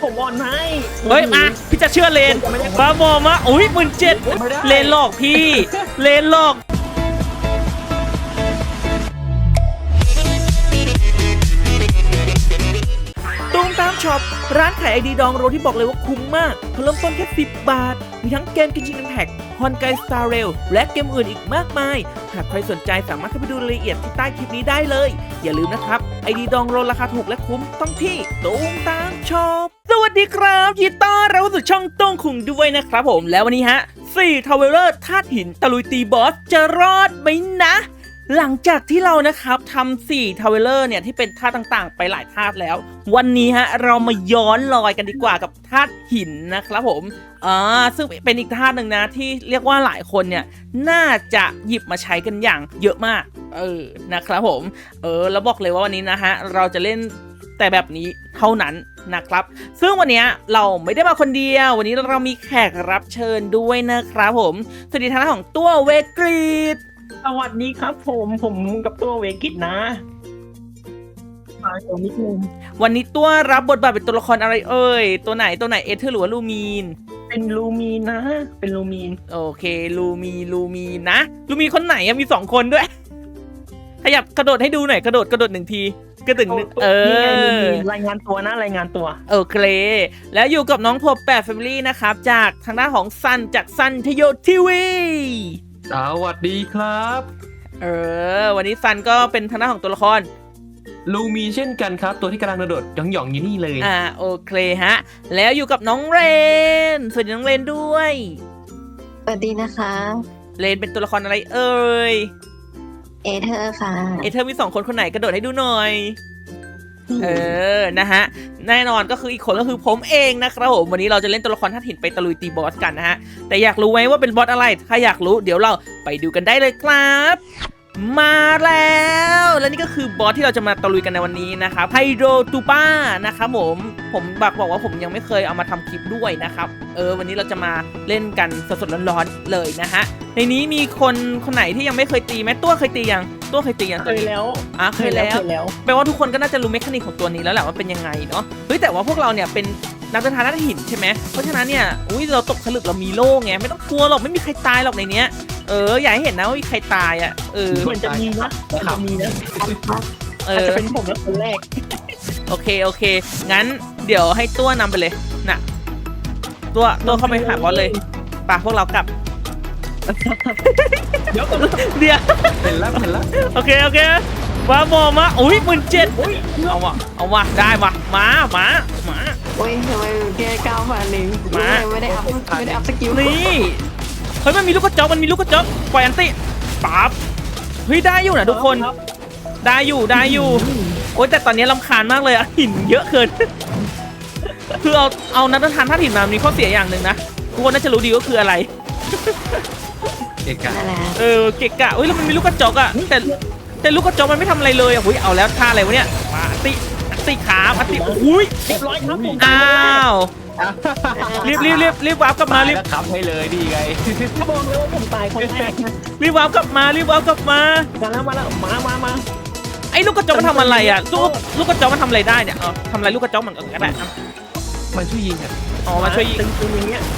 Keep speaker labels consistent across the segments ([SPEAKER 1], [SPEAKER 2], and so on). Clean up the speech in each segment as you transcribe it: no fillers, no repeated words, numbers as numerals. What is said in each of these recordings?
[SPEAKER 1] ผมอ่อนให้
[SPEAKER 2] เฮ้ยมาพี่จะเชื่อเลนบ้าบอมาอุ้ย17,000เลนหลอกพี่เลนหลอกตูมตามช็อปร้านขายไอดีดองโรที่บอกเลยว่าคุ้มมากเริ่มต้นแค่10 บาทมีทั้งเกมกินชิงแพ็กฮอนไกสตาร์เรลและเกมอื่นอีกมากมายหากใครสนใจสามารถเข้าไปดูรายละเอียดที่ใต้คลิปนี้ได้เลยอย่าลืมนะครับไอดีดองโรราคาถูกและคุ้มต้องที่ตูมตามช็อปสวัสดีครับยินดีต้อนรับสู่ช่องต้องคุงด้วยนะครับผมแล้ววันนี้ฮะ4 ทาวเวลเลอร์ธาตุหินตะลุยตีบอสจะรอดไหมนะหลังจากที่เรานะครับทำ4 ทาวเวลเลอร์เนี่ยที่เป็นธาตุต่างๆไปหลายธาตุแล้ววันนี้ฮะเรามาย้อนรอยกันดีกว่ากับธาตุหินนะครับผมซึ่งเป็นอีกธาตุหนึ่งนะที่เรียกว่าหลายคนเนี่ยน่าจะหยิบมาใช้กันอย่างเยอะมากนะครับผมแล้วบอกเลยว่าวันนี้นะฮะเราจะเล่นแต่แบบนี้เท่านั้นนะครับซึ่งวันนี้เราไม่ได้มาคนเดียววันนี้เรามีแขกรับเชิญด้วยนะครับผมสวัสดีทางด้านของตัวเวกรีด
[SPEAKER 1] สวัสดีครับผมกับตัวเวกิตนะมาเดี๋ยวนิดนึง
[SPEAKER 2] วันนี้ตัวรับบทบาทเป็นตัวละครอะไรเอ่ยตัวไหนเอเธอร์หรือว่าลูมีน
[SPEAKER 1] เป็นลูมีนนะเป็นลูมีน
[SPEAKER 2] โอเคลูมีนนะลูมีนคนไหนมี2 คนด้วยขยับกระโดดให้ดูหน่อยกระโดด1 ทีกระดึง
[SPEAKER 1] รายงานตัวนะรายงานตัว
[SPEAKER 2] โอเคแล้วอยู่กับน้องพบ8 Family นะครับจากทางด้านของซันจากซันทโยทีวี
[SPEAKER 3] สวัสดีครับ
[SPEAKER 2] วันนี้ซันก็เป็นทางด้านของตัวละคร
[SPEAKER 3] ลูมีเช่นกันครับตัวที่กำลังกระโดดหย่องอยู่นี่เลย
[SPEAKER 2] โอเคฮะแล้วอยู่กับน้องเรนสวัสดีน้องเรนด้วย
[SPEAKER 4] สวัสดีนะคะ
[SPEAKER 2] เรนเป็นตัวละครอะไรเอ่ย
[SPEAKER 4] เอเธอร์ค่ะ
[SPEAKER 2] เอเธอร์มี2 คนไหนกระโดดให้ดูหน่อยนะฮะแน่นอนก็คืออีกคนก็คือผมเองนะครับผมวันนี้เราจะเล่นตัวละครธาตุหินไปตะลุยตีบอสกันนะฮะแต่อยากรู้ไหมว่าเป็นบอสอะไรถ้าอยากรู้เดี๋ยวเราไปดูกันได้เลยครับมาแล้วและนี่ก็คือบอสที่เราจะมาตะลุยกันในวันนี้นะครับไฮโดรตูป้านะครับผมบอกว่าผมยังไม่เคยเอามาทำคลิปด้วยนะครับวันนี้เราจะมาเล่นกันสดๆร้อนๆเลยนะฮะในนี้มีคนไหนที่ยังไม่เคยตีไหมตัวเคยตียังเคยตียัง
[SPEAKER 1] เคยแล้ว
[SPEAKER 2] เคยแล้วแปลว่าทุกคนก็น่าจะรู้เมคานิกของตัวนี้แล้วแหละว่าเป็นยังไงเนาะเฮ้ยแต่ว่าพวกเราเนี่ยเป็นนักเดินทางธาตุหินใช่ไหมเพราะฉะนั้นเนี่ยเราตกผลึกเรามีโล่ไงไม่ต้องกลัวหรอกไม่มีใครตายหรอกในเนี้ยอยากให้เห็นนะว่ามีใครตาย
[SPEAKER 1] มันจะมีนะจะเป็นผมแล้วคนแรก
[SPEAKER 2] โอเคงั้นเดี๋ยวให้ตัวนำไปเลยนะตัวเข้าไปหาบอสเลยป่ะพวกเรากลับ
[SPEAKER 1] เดี๋ยว
[SPEAKER 3] เห็นแล้ว
[SPEAKER 2] โอเคว้าบอมา17,000เอาว่ะได้ว่ะมา
[SPEAKER 4] โอ้ยทำไมแค่9,000เองไม่ได้อัพสกิล
[SPEAKER 2] นี่เฮ้ยมันมีลูกกระจอกปล่อยอันติปั๊บเฮ้ยได้อยู่นะทุกคนได้อยู่โอ้ยแต่ตอนนี้รำคาญมากเลยอะหินเยอะเกินคือเอานักเดินทางธาตุหินมามีข้อเสียอย่างหนึ่งนะทุกคนน่าจะรู้ดีก็คืออะไร
[SPEAKER 3] เกะกะ
[SPEAKER 2] เกะกะเฮ้ยแล้วมันมีลูกกระจอกอะแต่ลูกกระจอกมันไม่ทำอะไรเลยอะเอาแล้วท่าอะไรวะเนี่ยมาอันติขาอันติอุ้ย
[SPEAKER 1] เรียบร้อยครับผม
[SPEAKER 2] อ้าวรีบวาร์ปกลับมารีบ
[SPEAKER 3] ขับให้เลยดีไง
[SPEAKER 1] บอกเลยว่าผมตายคนแรก
[SPEAKER 2] รีบวาร์ปกลับมา
[SPEAKER 1] มาแล้วมา
[SPEAKER 2] ไอ้ลูกกระจอกมันทำอะไรอ่ะลูกกระจอกมันทำอะไรได้เนี่ยทำอะไรลูกกระจอกมันก็ได้
[SPEAKER 3] มันช่วยยิงอ่ะ
[SPEAKER 2] มันช่วยยิง
[SPEAKER 1] ตึงอย่างเงี้ย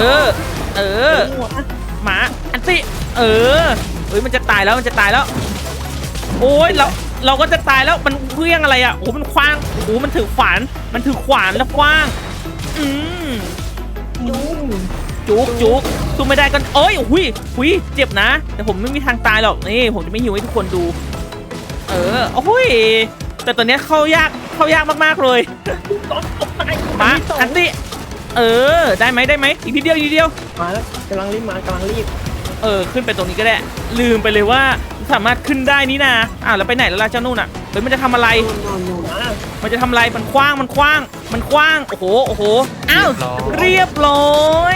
[SPEAKER 2] หมาอันติมันจะตายแล้วโอ้ยเราก็จะตายแล้วมันเพื่องอะไรอ่ะมันคว้างมันถือขวานแล้วคว้างจุกสู้ไม่ได้กันหุยเจ็บนะแต่ผมไม่มีทางตายหรอกนี่ผมจะไม่หิวให้ทุกคนดูแต่ตอนนี้เข้ายากมากๆเลยมาอันติได้ไหมอีกทีเดียว
[SPEAKER 1] มาแล้วกำลังรีบ
[SPEAKER 2] ขึ้นไปตรงนี้ก็ได้ลืมไปเลยว่าสามารถขึ้นได้นี่นะแล้วไปไหนแล้วล่ะเจ้านู่นอ่ะมันจะทำอะไรมันคว้างโอ้โหอ้าวเรียบร้อย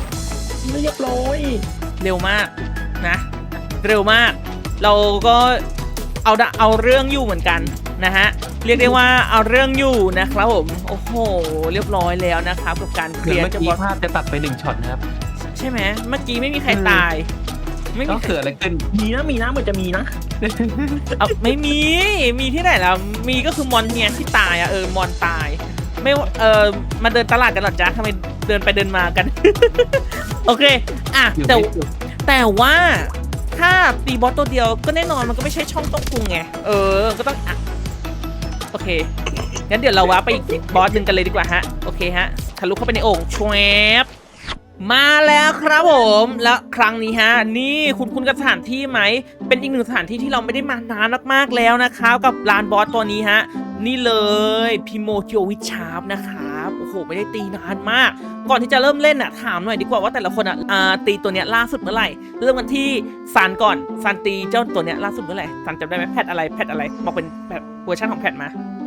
[SPEAKER 2] เร็วมากนะเราก็เอาเรื่องอยู่เหมือนกันนะฮะเรียกได้ว่าเอาเรื่องอยู่นะครับผมโอ้โหเรียบร้อยแล้วนะครับกับการเคลียร์
[SPEAKER 3] เมื่อกี้ภาพจะตัดไป1 ช็อตนะครับ
[SPEAKER 2] ใช่ไหมเมื่อกี้ไม่มีใครตาย
[SPEAKER 3] ไม่เกิดอะไรขึ้น
[SPEAKER 1] มีนะเหมือนจะมีนะ
[SPEAKER 2] ไม่มีที่ไหนแล้วมีก็คือมอนเนี่ยที่ตายมอนตายไม่มาเดินตลาดกันหรอจ๊ะทำไมเดินไปเดินมากัน โอเคอ่ะแต่ว่าถ้าตีบอสตัวเดียวก็แน่นอนมันก็ไม่ใช่ช่องต้องปรุงไงก็ต้องอ่ะโอเคงั้นเดี๋ยวเราว้าไปอีกบอสหนึ่งกันเลยดีกว่าฮะโอเคฮะทะลุเข้าไปในโอ่งชวบมาแล้วครับผมแล้วครั้งนี้ฮะนี่คุณกับสถานที่ไหมเป็นอีกหนึ่งสถานที่ที่เราไม่ได้มานานมากๆแล้วนะครับกับลานบอสตัวนี้ฮะนี่เลยพิโมจิโอวิชาร์ปนะครับโอ้โหไม่ได้ตีนานมากก่อนที่จะเริ่มเล่นอ่ะถามหน่อยดีกว่าว่าแต่ละคนอ่ะตีตัวเนี้ยล่าสุดเมื่อไหร่เริ่มกันที่ซันก่อนซันตีเจ้าตัวเนี้ยล่าสุดเมื่อไหร่ซันจำได้ไหมแพทอะไรบอกเป็นแบบเวอร์ชันของแพทมา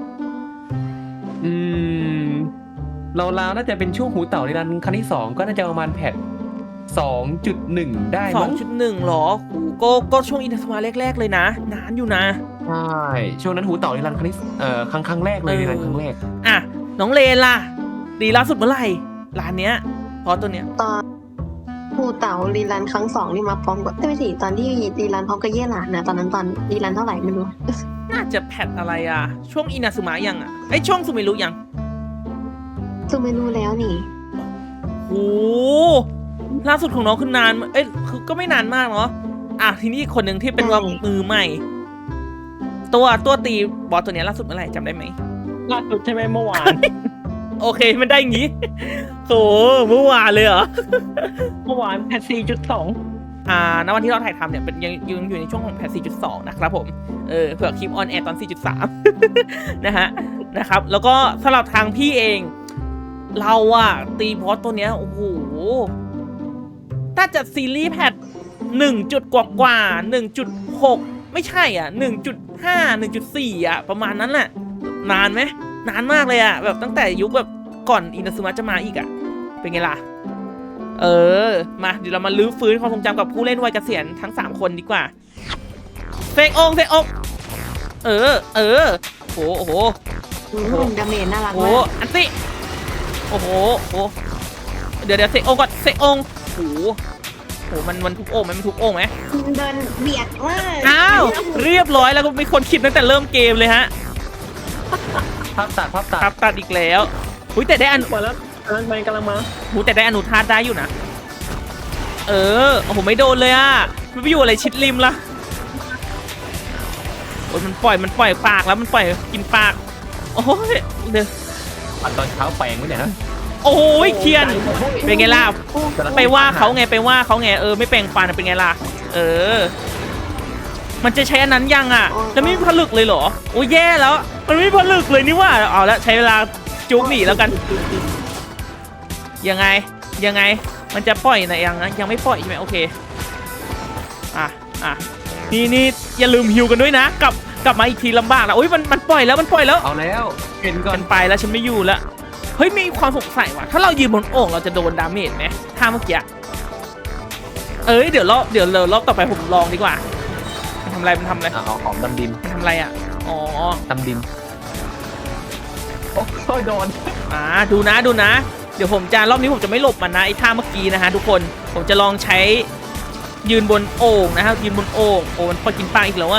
[SPEAKER 3] เราน่าจะเป็นช่วงหูเต่าในรันครั้งที่2ก็น่าจะประมาณแพท 2.1 ได้มั้ง
[SPEAKER 2] 2.1 หรอก็ช่วงอินเทอร์สมาแรกๆเลยนะนานอยู่นะ
[SPEAKER 3] ใช่ช่วงนั้นหูเต่าในรันครั้งที่ครั้งแรกเลยในรันครั้งแรก
[SPEAKER 2] อ่ะน้องเลนล่ะตีล่าสุดเมื่อไหร่ร้านเนี้ยพอตัวเนี้ย
[SPEAKER 4] ตอนภูเต๋ารีรันครั้ง2นี่มาพร้อมกับไม่ใช่ตอนที่รีรันพร้อมกับเย่หลานนะตอนนั้นตอนรีรันเท่าไหร่ไม่รู้
[SPEAKER 2] น่าจะแพทอะไรอ่ะช่วงอินาซึมะยังอ่ะไอช่วงซูเมรุยัง
[SPEAKER 4] ซูเมรุแล้วนี่
[SPEAKER 2] โอ้ล่าสุดของน้องคือนานคือก็ไม่นานมากเนาะอ่ะทีนี้คนหนึ่งที่เป็นว่ามือใหม่ตัวตีบอสตัวเนี้ยล่าสุดเมื่อไหร่จำได้ไหม
[SPEAKER 1] ล่าสุดใช่ไหมเมื่อวาน
[SPEAKER 2] โอเคมันได้อย่างงี้โหเมื่อวานเลยเหรอ
[SPEAKER 1] เมื่อวานแพท 4.2
[SPEAKER 2] ณวันที่เราถ่ายทำเนี่ยเป็นยังอยู่ในช่วงของแพท 4.2 นะครับผมเผื่อคลิปออนแอร์ตอน 4.3 นะครับแล้วก็สำหรับทางพี่เองเราอะตีบอสตัวเนี้ยโอ้โหถ้าจะซีรีส์แพท1 จุดกว่า 1.6 ไม่ใช่อ่ะ 1.5 1.4 อ่ะประมาณนั้นแหละนานไหมนานมากเลยอ่ะแบบตั้งแต่ยุคแบบก่อนอินาซึมะจะมาอีกอ่ะเป็นไงล่ะมาเดี๋ยวเรามาลื้อฟื้นความทรงจำกับผู้เล่นวัยเกษียณทั้ง3คนดีกว่าเซกองโอ้โห
[SPEAKER 4] ดาเมจน่ารักมาก
[SPEAKER 2] โอ้อันติโอ้โหเดี๋ยวเซกองก่อนเซกองโอ้โหมันทุบโอ่งไหมมันทุบโอ่งไหม
[SPEAKER 4] เดินเบียดมาก
[SPEAKER 2] อ้าวเรียบร้อยแล้วก็มีคนคิดตั้งแต่เริ่มเกมเลยฮะ
[SPEAKER 3] ภาพ
[SPEAKER 2] ตัดอีกแล้วหุ้ยแต่ได้
[SPEAKER 1] มาแล้วมันกำลังมา
[SPEAKER 2] หูแต่ได้อนุธาตุได้อยู่นะโอ้โหไม่โดนเลยอ่ะมันไปอยู่อะไรชิดริมละโอ้ยมันปล่อยปากแล้วมันปล่อยกินปากโอ้ยเดี๋ยว
[SPEAKER 3] ตอนเช้าแปลงไว้เนี่ยนะ
[SPEAKER 2] โอ้ยเคียนเป็นไงล่ะไปว่าเขาไงไม่แปลงฟันเป็นไงล่ะมันจะใช้อันนั้นยังอ่ะแล้วไม่มีผลึกเลยเหรอโอ้ยแย่แล้วมันไม่ผลึกเลยนี่ว่าเอาแล้วใช้เวลาจุกหนีแล้วกันยังไงมันจะปล่อยนะยังไม่ปล่อยใช่ไหมโอเคนี่อย่าลืมฮิวกันด้วยนะกลับมาอีกทีลำบากนะโอ้ยมันปล่อยแล้ว
[SPEAKER 3] เอาแล้วเห็นก่อน
[SPEAKER 2] ไปแล้วฉันไม่อยู่แล้วเฮ้ยมีความสงสัยว่ะถ้าเรายืนบนโอ่งเราจะโดนดาเมจไหมถ้าเมื่อกี้เดี๋ยวรอบต่อไปผมลองดีกว่ามันทำอะไร
[SPEAKER 3] เอาของดำดิน
[SPEAKER 2] มันทำอะไรอ่ะอ๋อ
[SPEAKER 3] ดำดินโอ้ยโดน
[SPEAKER 2] ดูนะเดี๋ยวรอบนี้ผมจะไม่หลบมันนะไอ้ท่าเมื่อกี้นะฮะทุกคนผมจะลองใช้ยืนบนโอ่งนะครับยืนบนโอ่งโอ้มันพอกินปลาอีกแล้วอะ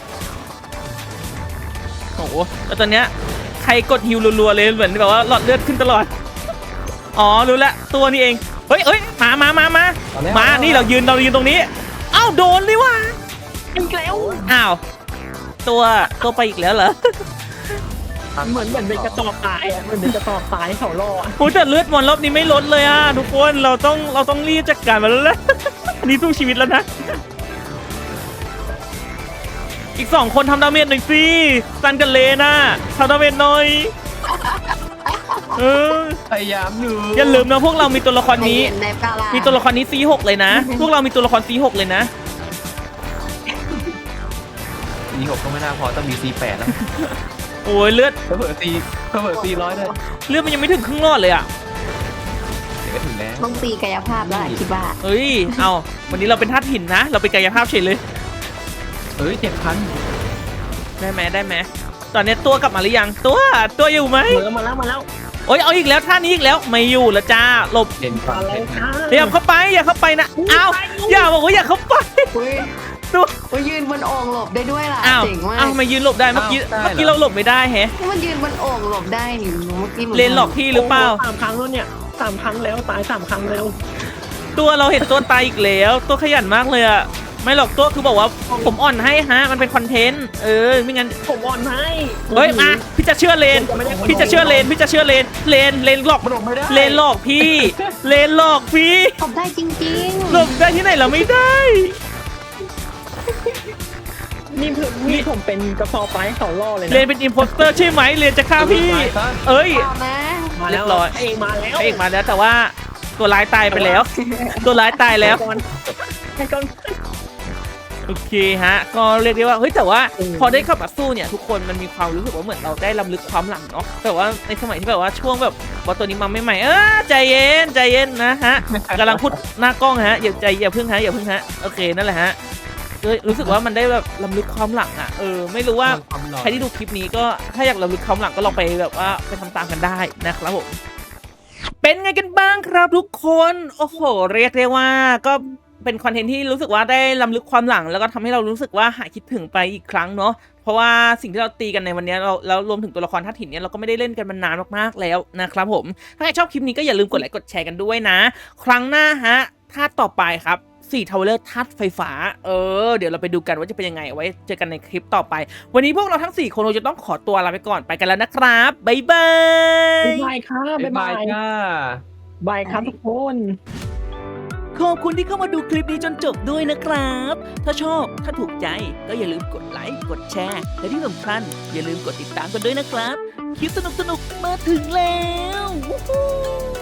[SPEAKER 2] โอ้แล้วตอนเนี้ยใครกดฮิวรัวๆเลยเหมือนแบบว่าหลอดเลือดขึ้นตลอดอ๋อรู้ละตัวนี้เองเฮ้ยมานี่เรายืนตรงนี้อ้าวโดนเลยว่ะ
[SPEAKER 1] อีกแล้ว
[SPEAKER 2] อ้าวตัวไปอีกแล้วเหรอ
[SPEAKER 1] เหมือนเป็นกระต่อตายเหมือนเป็นกระต่อตายเขาล่อ
[SPEAKER 2] โอ้แต่เลือดมันรอบนี้ไม่ลดเลยทุกคนเราต้องรีบจัดการมันแล้วนี่สู้ชีวิตแล้วนะอีก2คนทำดาเมจหน่อยสิซันกับเลน่ะทำดาเมจหน่อย
[SPEAKER 3] พยายามอยู่
[SPEAKER 2] อย่าลืมนะพวกเรามีตัวละครนี้มีตัวละครนี้ C6 เลยนะพวกเรามีตัวละคร C6 เลยนะ
[SPEAKER 3] C6 ก็ไม่น่าพอต้องมี C8 แล้ว
[SPEAKER 2] โอ้ยเลือด
[SPEAKER 3] เผื่อ400ด้วย
[SPEAKER 2] เลือดมันยังไม่ถึงครึ่งรอดเลยอะ
[SPEAKER 3] เดี๋ยวก็ถึงแล้ว
[SPEAKER 4] ต้องตีกายภาพแล้วคิดว่า
[SPEAKER 2] เอาวันนี้เราเป็นธาตุหินนะเราเป็นกายภาพเฉยเลย
[SPEAKER 3] 7,000
[SPEAKER 2] ได้ไหมตอนนี้ตัวกลับมาหรือยังตัวอยู่ไหม
[SPEAKER 1] มาแล้ว
[SPEAKER 2] โอ้ยเอาอีกแล้วท่านี้อีกแล้วไม่อยู่แล้วจ้าหลบ
[SPEAKER 3] เห็นก่อน
[SPEAKER 2] อย่าเข้าไปนะอ้าวอย่าบอกว่าอย่าเข้าไปตัว
[SPEAKER 4] มันยืนบนโอ่งหลบได้ด้วยล่ะ
[SPEAKER 2] อ้าว
[SPEAKER 4] เจ๋งมาก
[SPEAKER 2] อ้าวทำไมยืนหลบได้เมื่อกี้
[SPEAKER 3] อ้าวได้เหรอ
[SPEAKER 2] เมื่อกี้เราหลบไม่ได้แฮะ
[SPEAKER 4] มันยืนบนโอ่งหลบได้นี่เมื่อกี้
[SPEAKER 2] เลนหลอกพี่หรือเปล่า
[SPEAKER 1] 3 ครั้งแล้วเนี่ย3 ครั้งแล้วตาย3 ครั้งแล้ว
[SPEAKER 2] ตัวเราเห็นตัวตายอีกแล้ว ตัวขยันมากเลยอะไม่หรอกตัวคือบอกว่าผมอ่อนให้ฮะมันเป็นคอนเทนต์ไม่งั้น
[SPEAKER 1] ผมอ่อนให้
[SPEAKER 2] เฮ้ยมาพี่จะเชื่อเลนพี่จะเชื่อเลนพี่จะเชื่อเลนเลนหลอก
[SPEAKER 3] มันหลบไม่ได้
[SPEAKER 2] เลนหลอกพี่เลนหลอกพี่
[SPEAKER 4] หลบได้จริง
[SPEAKER 2] หลบได้ที่ไหนเราไม่ได้
[SPEAKER 1] นี่ผมเป็นกระสอบไปเขาล่อเลย
[SPEAKER 2] เล
[SPEAKER 1] นะ
[SPEAKER 2] นเป็นอิมโพสเตอร์ใช่ไหมเลนจะฆ่าพี่
[SPEAKER 3] ตายซะ
[SPEAKER 2] เอ้ย
[SPEAKER 4] ๆเอานะ
[SPEAKER 1] มาแล้ว
[SPEAKER 2] เรียบร้อย
[SPEAKER 1] เองมาแล้ว
[SPEAKER 2] พระเอกมาแล้วแต่ว่าตัวร้ายตายไปแล้ว ตัวร้ายตายแล้ว
[SPEAKER 1] ให้ก่อน
[SPEAKER 2] โอเคฮะก็เรียกได้ว่าเฮ้ยแต่ว่าพอได้เข้ามาสู้เนี่ยทุกคนมันมีความรู้สึกว่าเหมือนเราได้รำลึกความหลังเนาะแต่ว่าในสมัยที่แบบว่าช่วงแบบว่าตัวนี้มาใหม่ๆใจเย็นนะฮะกำลังพูดหน้ากล้องฮะอย่าเพิ่งฮะโอเคนั่นแหละฮะรู้สึกว่ามันได้แบบรำลึกความหลังอ่ะไม่รู้ว่าใครที่ดูคลิปนี้ก็ถ้าอยากรำลึกความหลังก็ลองไปแบบว่าไปทำตามกันได้นะครับผมเป็นไงกันบ้างครับทุกคนโอ้โหเรียกได้ว่าก็เป็นคอนเทนต์ที่รู้สึกว่าได้รำลึกความหลังแล้วก็ทำให้เรารู้สึกว่าหายคิดถึงไปอีกครั้งเนาะเพราะว่าสิ่งที่เราตีกันในวันนี้เราแล้วรวมถึงตัวละครธาตุหินเนี่ยเราก็ไม่ได้เล่นกันมานานมากๆแล้วนะครับผมถ้าใครชอบคลิปนี้ก็อย่าลืมกดไลค์กดแชร์กันด้วยนะครั้งหน้าฮะธาตุต่อไปครับ4 ทาวเวอร์ธาตุไฟฟ้าเดี๋ยวเราไปดูกันว่าจะเป็นยังไงไว้เจอกันในคลิปต่อไปวันนี้พวกเราทั้ง4 คนเราจะต้องขอตัวลาไปก่อนไปกันแล้วนะครับบ๊ายบาย
[SPEAKER 1] บายครับ
[SPEAKER 3] บ๊ายบายจ้า
[SPEAKER 1] บายครับทุกคน
[SPEAKER 2] ขอบคุณที่เข้ามาดูคลิปนี้จนจบด้วยนะครับ ถ้าชอบ ถ้าถูกใจ ก็อย่าลืมกดไลค์ กดแชร์ และที่สำคัญอย่าลืมกดติดตามกันด้วยนะครับ คลิปสนุกๆ มาถึงแล้ว วู้ฮู้